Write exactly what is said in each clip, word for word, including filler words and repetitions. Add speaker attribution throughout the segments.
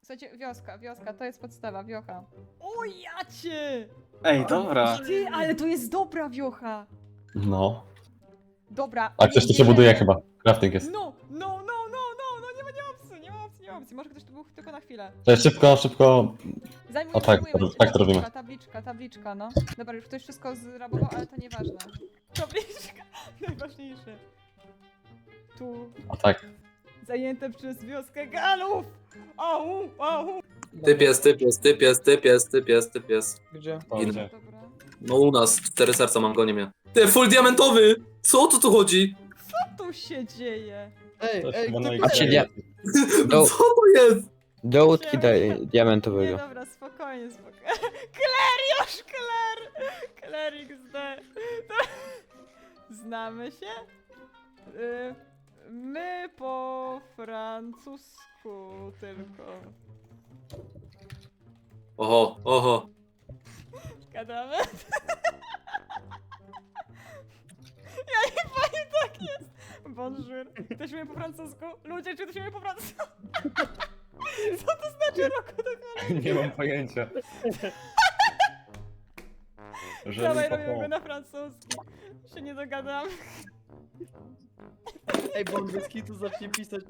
Speaker 1: Słuchajcie, wioska, wioska, to jest podstawa, wiocha. O jacie!
Speaker 2: Ej, dobra.
Speaker 1: Ty, ale to jest dobra wiocha!
Speaker 3: No.
Speaker 1: Dobra.
Speaker 3: A coś tu się buduje chyba. Crafting jest.
Speaker 1: No, no, no, no, no, no, nie ma, nie ma opcji, nie ma opcji, nie ma opcji. Może ktoś tu był tylko na chwilę.
Speaker 3: Cześć, szybko, szybko.
Speaker 1: Zajmujemy,
Speaker 3: O tak,
Speaker 1: zajmujemy.
Speaker 3: tak to robimy.
Speaker 1: Tabliczka, tabliczka, tabliczka, no. Dobra, już ktoś wszystko zrabował, ale to nieważne. Tabliczka, najważniejsze. Tu,
Speaker 3: O tak.
Speaker 1: zajęte przez wioskę Galów! Au, au!
Speaker 2: Typ jest, typ jest, typ jest, typ jest, typ jest, typ jest.
Speaker 4: Gdzie?
Speaker 3: O,
Speaker 2: Inny.
Speaker 3: gdzie?
Speaker 1: Dobra.
Speaker 2: No u nas, cztery serca mam, goni mnie. Ty, full diamentowy! Co tu tu chodzi?
Speaker 1: Co tu się dzieje?
Speaker 4: Ej,
Speaker 3: Coś
Speaker 4: ej,
Speaker 3: chyba
Speaker 4: kto
Speaker 3: na
Speaker 4: tu
Speaker 5: Patrzcie,
Speaker 3: Ikei.
Speaker 5: dia- Do-
Speaker 2: Co to jest?
Speaker 5: Do łódki
Speaker 1: Siema.
Speaker 5: daj-
Speaker 1: Nie,
Speaker 5: diamentowego.
Speaker 1: dobra, spokojnie, spokojnie. Kler już, Kler! Kler iks de. Znamy się? Y, my po francusku tylko
Speaker 2: Oho, oho.
Speaker 1: gadamy. Ja nie powiem, tak jest. Bonjour. Ktoś mnie po francusku? Ludzie, czy ktoś mnie po francusku? Co to znaczy roku do cholery?
Speaker 3: Nie mam pojęcia. Że
Speaker 1: Dawaj,
Speaker 3: mi
Speaker 1: robimy go
Speaker 3: popą-
Speaker 1: na francuski. Się nie dogadam.
Speaker 4: Ej, bo on bez kitu zacznie pisać.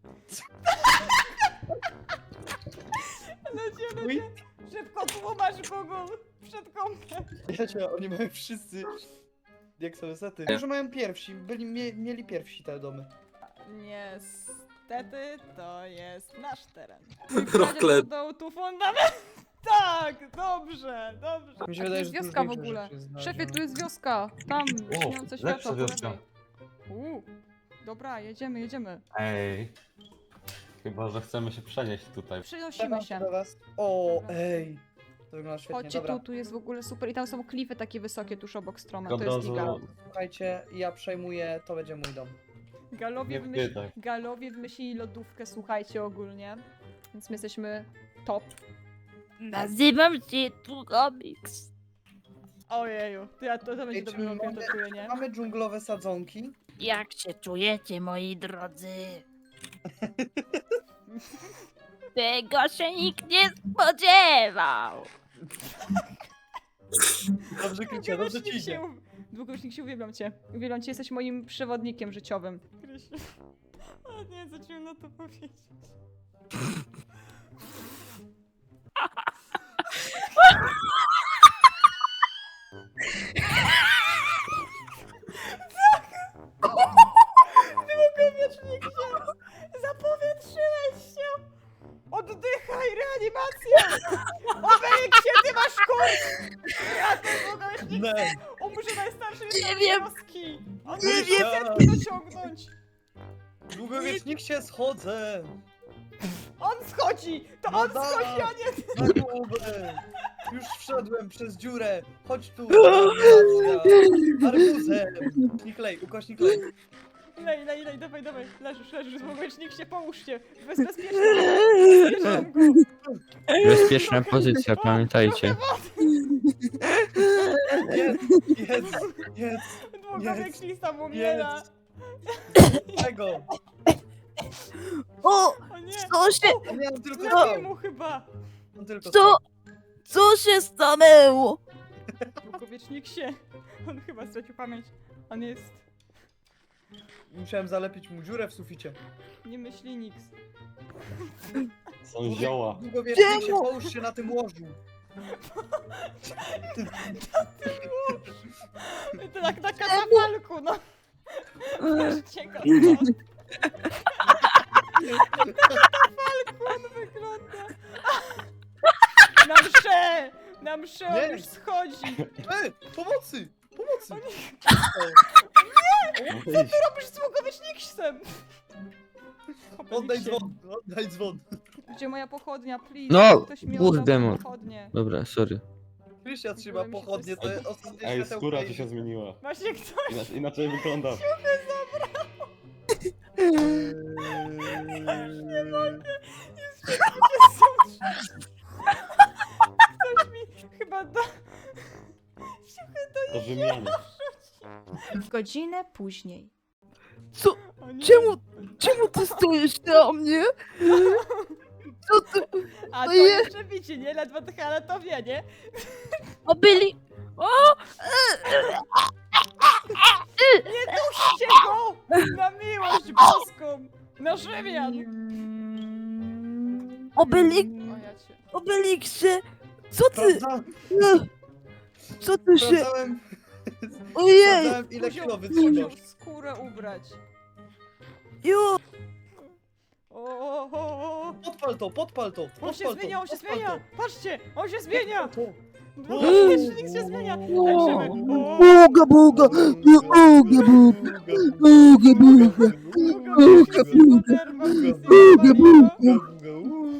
Speaker 1: Ludzie,
Speaker 4: Uj.
Speaker 1: ludzie. Szybko tłumacz Google. Przed kąpem.
Speaker 4: Ja cię, oni mają wszyscy. Jak są sety.
Speaker 2: Nie.
Speaker 4: Może mają pierwsi, byli, mie, mieli pierwsi te domy.
Speaker 1: Niestety to jest nasz teren.
Speaker 2: Rocklet.
Speaker 1: Dodał tu fundament. Tak, dobrze, dobrze.
Speaker 4: Mi się
Speaker 1: A tu
Speaker 4: wydaje,
Speaker 1: jest
Speaker 4: że tu
Speaker 1: wioska w
Speaker 4: większe
Speaker 1: ogóle.
Speaker 4: rzeczy znajdą.
Speaker 1: Szefie, tu jest wioska. Tam,
Speaker 3: O,
Speaker 1: śniące
Speaker 3: lepsza
Speaker 1: światło. po
Speaker 3: wioska.
Speaker 1: lewej. Uuu, dobra, jedziemy, jedziemy.
Speaker 3: Ej. Chyba, że chcemy się przenieść tutaj.
Speaker 1: Przenosimy
Speaker 4: Zapraszam
Speaker 1: się.
Speaker 4: do was. O,
Speaker 1: Dobra.
Speaker 4: ej. To wygląda świetnie,
Speaker 1: Chodźcie
Speaker 4: dobra.
Speaker 1: tu, tu jest w ogóle super. I tam są klify takie wysokie tuż obok stroma.
Speaker 3: Od
Speaker 1: To jest
Speaker 3: razu
Speaker 1: giga.
Speaker 4: Słuchajcie, ja przejmuję, to będzie mój dom.
Speaker 1: Galowie,
Speaker 3: nie
Speaker 1: wymyśl...
Speaker 3: pytaj.
Speaker 1: Galowie wymyślili lodówkę, słuchajcie, ogólnie. Więc my jesteśmy top.
Speaker 6: Nazywam się Turomix.
Speaker 1: Ojeju, to, ja, to, to będzie
Speaker 4: Ej,
Speaker 1: dobry
Speaker 4: czy
Speaker 1: rok, ja to
Speaker 4: mamy-
Speaker 1: czuję, nie?
Speaker 4: Mamy dżunglowe sadzonki.
Speaker 6: Jak się czujecie, moi drodzy? Tego się nikt nie spodziewał.
Speaker 4: Dobrze krycie, dobrze ci
Speaker 1: Długośnik
Speaker 4: idzie.
Speaker 1: się... Długośnik się, uwielbiam cię. Uwielbiam cię, jesteś moim przewodnikiem życiowym. Krysiu. O nie, zacząłem na to powiedzieć. Długowiecznik się! Zapowietrzyłeś się! Oddychaj, reanimacja! Obejrzyj się, ty masz kurs! Ja ten długowiecznik
Speaker 4: Nie,
Speaker 1: umrze najstarszy
Speaker 6: Nie
Speaker 1: jest
Speaker 6: wiem.
Speaker 1: wioski! On
Speaker 4: Nie
Speaker 1: nie
Speaker 4: wiem.
Speaker 1: wie, jak dociągnąć!
Speaker 4: długowiecznik się schodzę.
Speaker 1: On schodzi! To
Speaker 4: No
Speaker 1: on
Speaker 4: da.
Speaker 1: schodzi, a nie ty!
Speaker 4: Na głowę. Już wszedłem przez dziurę. Chodź tu. Reanimacja. Arbuzem. Ukośnik lej, ukośnik lej.
Speaker 1: Lej, lej, lej, dawaj, dawaj, leżysz, leżysz, długowiecznik się, połóż się! Bez, bezpiecznie! Bezpieczam go!
Speaker 5: Bezpieczna pozycja, pamiętajcie.
Speaker 4: Jest, jest, jest.
Speaker 1: Długowiecznik tam umiera!
Speaker 4: Tego.
Speaker 6: O,
Speaker 1: O nie!
Speaker 6: co się,
Speaker 4: On miał tylko
Speaker 1: Lepiej
Speaker 4: stał.
Speaker 1: mu chyba!
Speaker 4: On tylko
Speaker 6: co, co się stanęło?
Speaker 1: Długowiecznik się! On chyba stracił pamięć. On jest...
Speaker 4: Musiałem zalepić mu dziurę w suficie.
Speaker 1: nie myśli niks.
Speaker 3: Są zioła.
Speaker 4: Długowiecznik się, połóż się na tym łożu.
Speaker 1: To tak na katafalku, no! Patrzcie go, no! Na katafalku on wygląda! Na mszę! Na mszę on
Speaker 4: Nie.
Speaker 1: już schodzi!
Speaker 4: Ej, pomocy! Pomocy!
Speaker 3: Wyjść.
Speaker 1: Robisz z długowiecznikiem!
Speaker 4: Oddaj dzwon, oddaj dzwon.
Speaker 1: Gdzie moja pochodnia, please?
Speaker 5: No,
Speaker 1: Ktoś mi
Speaker 5: kurde,
Speaker 1: oddał
Speaker 5: mo-
Speaker 1: pochodnię.
Speaker 5: Dobra, sorry.
Speaker 4: Krysia trzyma
Speaker 1: mi się
Speaker 4: pochodnie,
Speaker 1: coś
Speaker 4: to jest ostatnie
Speaker 3: Ej,
Speaker 4: światełko
Speaker 3: skóra
Speaker 4: i-
Speaker 3: ci się zmieniła.
Speaker 1: Właśnie ktoś
Speaker 3: Inaczej, inaczej wygląda.
Speaker 4: Nie mogę.
Speaker 1: Ktoś mi chyba da...
Speaker 3: To wymiany.
Speaker 1: Godzinę później.
Speaker 6: Co,
Speaker 1: O nie.
Speaker 6: czemu, czemu ty stoisz na mnie? Co ty?
Speaker 1: A to
Speaker 6: Ojej.
Speaker 1: jeszcze bici, nie? Ledwo tych, ale to wie, nie?
Speaker 6: O, byli... O!
Speaker 1: Nie duście go! Na miłość boską! Na Rzymian!
Speaker 6: Obelik...
Speaker 1: O ja cię.
Speaker 6: Obeliksie! Co ty?
Speaker 4: Sprawdza,
Speaker 6: No, co ty się...
Speaker 4: sprawdzałem,
Speaker 6: Ojej!
Speaker 4: sprawdzałem ile
Speaker 1: Musiał-
Speaker 4: kilo wytrzymasz.
Speaker 1: musiał skórę ubrać.
Speaker 6: Jo!
Speaker 1: O, o, o, o.
Speaker 4: Podpal to, podpal to,
Speaker 1: On
Speaker 4: podpal
Speaker 1: się
Speaker 4: to,
Speaker 1: zmienia, on się
Speaker 4: podpal
Speaker 1: zmienia! Patrzcie! On się zmienia!
Speaker 4: to.
Speaker 1: Dwudziestnik się zmienia! Tańczymy! O,
Speaker 6: Buga, buga! Buga, buga! Buga, buga!
Speaker 1: Buga, buga,
Speaker 6: Buga, buga!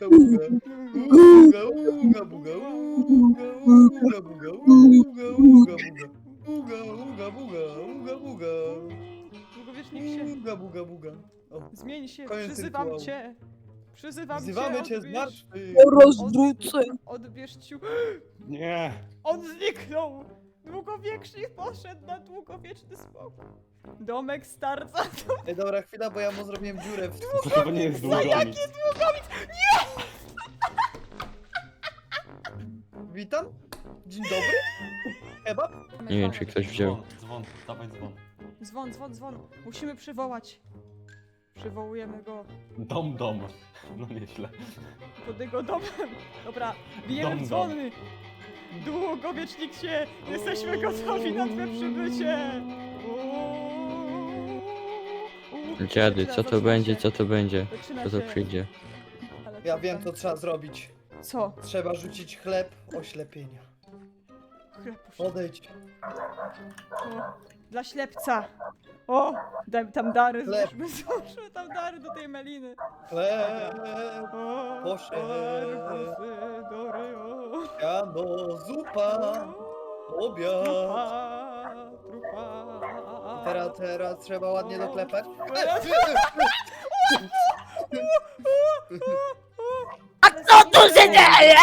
Speaker 1: Długowiecznik się.
Speaker 4: Buga, buga, buga. O,
Speaker 1: Zmień się,
Speaker 4: Koniec
Speaker 1: przyzywam
Speaker 4: rytuału.
Speaker 1: cię! Przyzywam
Speaker 4: wzywamy
Speaker 1: cię!
Speaker 4: cię z
Speaker 1: odbierz-
Speaker 4: martwych.
Speaker 6: Rozwrócę!
Speaker 1: Odbierz ciu...
Speaker 3: Nie!
Speaker 1: On zniknął! Długowiecznik poszedł na długowieczny spokój. Domek starca.
Speaker 4: Ej, dobra, chwila, bo ja mu zrobiłem dziurę w...
Speaker 3: To chyba nie jest długowiec.
Speaker 4: Witam. Dzień dobry. Kebab?
Speaker 5: Nie wiem, czy ktoś wziął.
Speaker 3: Dzwon, dzwon, dawaj dzwon.
Speaker 1: Dzwon, dzwon, dzwon. Musimy przywołać. Przywołujemy go
Speaker 3: Dom, dom. No nieźle.
Speaker 1: pod jego domem. Dobra, bijemy
Speaker 3: Dom, dom.
Speaker 1: dzwony. Długowiecznik się! Jesteśmy gotowi na twoje przybycie!
Speaker 5: Dziady, co to będzie, co to będzie?
Speaker 1: Zaczyna
Speaker 5: Co to
Speaker 1: się.
Speaker 5: przyjdzie?
Speaker 1: Ale
Speaker 4: Ja
Speaker 1: co
Speaker 4: wiem,
Speaker 1: tam?
Speaker 4: co trzeba zrobić.
Speaker 1: Co?
Speaker 4: Trzeba rzucić chleb oślepienia.
Speaker 1: Chleb poszedł.
Speaker 4: Odejdź.
Speaker 1: O, dla ślepca. O, daj tam dary,
Speaker 4: Chleb.
Speaker 1: złóżmy, złóżmy tam dary do tej meliny.
Speaker 4: Chleb.
Speaker 1: O,
Speaker 4: Poszedł.
Speaker 1: arbusy, dory, o.
Speaker 4: Jano, zupa. Obiad.
Speaker 1: Trupa, trupa.
Speaker 4: I teraz, teraz trzeba ładnie doklepać.
Speaker 6: A co tu się dzieje?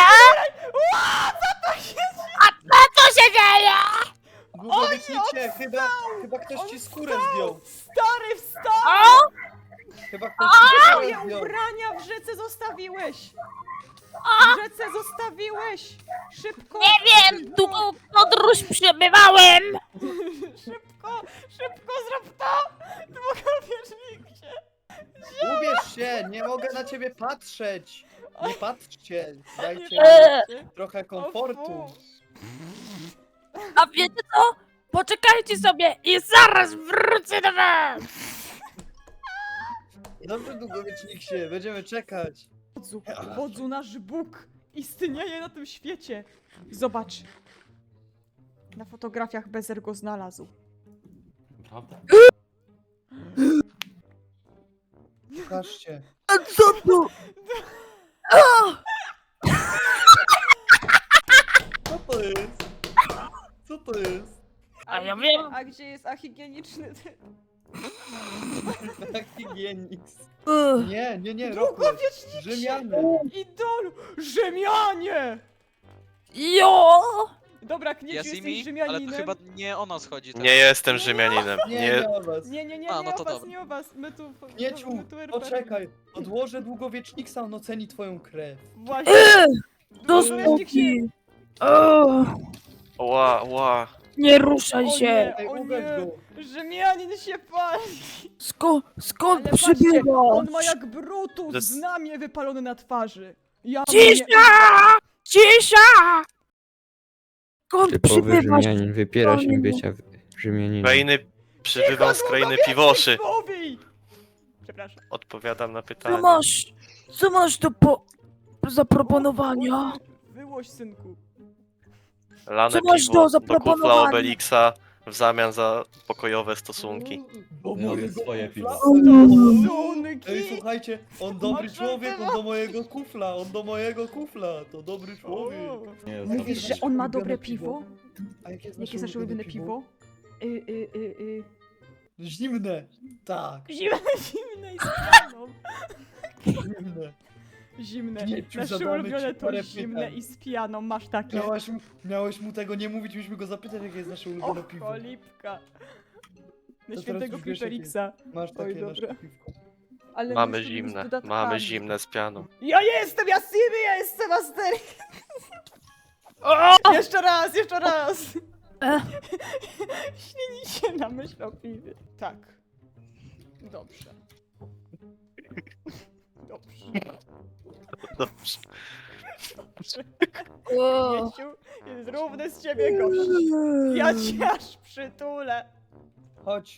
Speaker 6: A co się dzieje?
Speaker 4: Długowiecznicie, chyba, chyba ktoś ci skórę zdjął.
Speaker 1: Stary, wstał!
Speaker 6: O!
Speaker 4: Chyba ktoś ci
Speaker 1: Moje
Speaker 4: skórę zdjął.
Speaker 1: ubrania w rzece zostawiłeś! W rzece zostawiłeś! Szybko!
Speaker 6: Nie wiem, długą podróż przebywałem.
Speaker 1: Szybko! Szybko zrób to! Długowiecznik się!
Speaker 4: Ubierz się, nie mogę na ciebie patrzeć. Nie patrzcie, dajcie
Speaker 6: Eee.
Speaker 4: mi trochę komfortu.
Speaker 6: A wiecie co? Poczekajcie sobie i zaraz wrócę do was.
Speaker 4: Dobrze, długowiecznik się, będziemy czekać.
Speaker 1: Wodzu, wodzu, nasz Bóg istnieje na tym świecie! Zobacz! Na fotografiach Bezer go znalazł.
Speaker 3: Prawda?
Speaker 4: Pokażcie.
Speaker 6: A co tu?
Speaker 4: Co to jest? Co to jest?
Speaker 6: A ja
Speaker 1: gdzie-
Speaker 6: wiem.
Speaker 1: A gdzie jest ahigieniczny ty?
Speaker 4: Higienix.
Speaker 6: Ugh.
Speaker 4: Nie, nie, nie, Rokles.
Speaker 1: Długowiecznik się!
Speaker 4: Rzymiany.
Speaker 1: Idolu! Rzymianie!
Speaker 6: Jo!
Speaker 1: Dobra, Knieciu,
Speaker 7: Ja z
Speaker 1: jesteś
Speaker 7: nimi, ale
Speaker 1: Rzymianinem.
Speaker 7: to chyba nie o nas chodzi teraz.
Speaker 8: Nie jestem Rzymianinem.
Speaker 4: Nie,
Speaker 8: Nie,
Speaker 4: nie o was.
Speaker 1: Nie, nie, nie,
Speaker 7: A,
Speaker 1: nie
Speaker 7: no
Speaker 1: o
Speaker 7: to
Speaker 1: was,
Speaker 7: dobra.
Speaker 1: nie o was. My tu...
Speaker 4: Knieciu,
Speaker 1: my tu R P.
Speaker 4: poczekaj. Odłożę długowieczniksa, on oceni twoją krew.
Speaker 1: Właśnie.
Speaker 6: Eee, do
Speaker 1: Długowiecznik się...
Speaker 6: spóki. O,
Speaker 8: ła, ła.
Speaker 6: nie ruszaj
Speaker 1: O
Speaker 6: się.
Speaker 1: nie,
Speaker 4: Ej,
Speaker 1: o
Speaker 4: ugaś
Speaker 1: nie.
Speaker 4: go.
Speaker 1: Rzymianin się pali.
Speaker 6: Sko skąd
Speaker 1: Ale patrzcie,
Speaker 6: przybywasz?
Speaker 1: on ma jak Brutus
Speaker 8: Zas-
Speaker 1: znamie wypalone na twarzy. Ja
Speaker 6: Cisza! Cisza! Skąd
Speaker 5: Typowy
Speaker 6: przybywasz?
Speaker 5: Rzymianin wypiera się
Speaker 6: Panie.
Speaker 5: bycia Rzymianinem.
Speaker 8: Krainy, przybywam z krainy piwoszy.
Speaker 1: Mówi! Przepraszam.
Speaker 8: Odpowiadam na
Speaker 6: Co
Speaker 8: pytanie.
Speaker 6: masz? Co masz do po zaproponowania?
Speaker 1: Wyłoś, synku.
Speaker 8: Lane
Speaker 6: Co masz
Speaker 8: piwo
Speaker 6: do
Speaker 8: do
Speaker 6: zaproponowania?
Speaker 8: kufla Obelixa w zamian za pokojowe stosunki.
Speaker 4: Do
Speaker 3: Ja
Speaker 4: mojego
Speaker 3: swoje
Speaker 4: kufla.
Speaker 3: piwo.
Speaker 1: Stosunki!
Speaker 4: Ej, słuchajcie, on dobry
Speaker 1: Masz
Speaker 4: człowiek, on do
Speaker 1: rację.
Speaker 4: mojego kufla, on do mojego kufla, to dobry człowiek.
Speaker 3: Nie jest
Speaker 1: Mówisz,
Speaker 3: dobrze.
Speaker 1: że on ma
Speaker 4: Ulubione
Speaker 1: dobre
Speaker 4: piwo?
Speaker 1: piwo?
Speaker 4: A jakie jest
Speaker 1: Jakie jest nasze ulubione piwo? Y, y, y, y.
Speaker 4: Zimne. Tak,
Speaker 1: Zimne, zimne i z pianą.
Speaker 4: zimne.
Speaker 1: Zimne.
Speaker 4: Knieciu,
Speaker 1: Nasze
Speaker 4: zadamy
Speaker 1: ulubione
Speaker 4: ci
Speaker 1: to
Speaker 4: parę
Speaker 1: zimne
Speaker 4: pytań.
Speaker 1: i z pianą. Masz takie.
Speaker 4: Miałeś, mu- miałeś mu tego nie mówić, mieliśmy go zapytać, jakie jest nasze ulubione
Speaker 1: Och,
Speaker 4: piwo.
Speaker 1: cholipka. Na
Speaker 4: teraz
Speaker 1: świętego
Speaker 4: już wiesz, jakie
Speaker 1: Piperiksa.
Speaker 4: Masz
Speaker 1: Oj,
Speaker 4: takie nasze
Speaker 1: dobra.
Speaker 4: piwko.
Speaker 1: Ale
Speaker 8: Mamy
Speaker 1: myślę, że z
Speaker 8: zimne,
Speaker 1: dodatkami.
Speaker 8: mamy zimne z pianą.
Speaker 1: Ja jestem Jasimy, ja jestem Asterix! Jeszcze raz, jeszcze raz!
Speaker 6: Ech.
Speaker 1: Śnijcie na myśl o piwie. Tak. Dobrze. Dobrze.
Speaker 8: Dobrze.
Speaker 1: Dobrze.
Speaker 6: O.
Speaker 1: Mieciu, jest równy z ciebie gość. Ja cię aż przytulę.
Speaker 4: Chodź.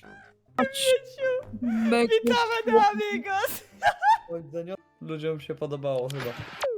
Speaker 1: Witamy na amigos!
Speaker 4: Chodź, Zenio. Ludziom się podobało chyba.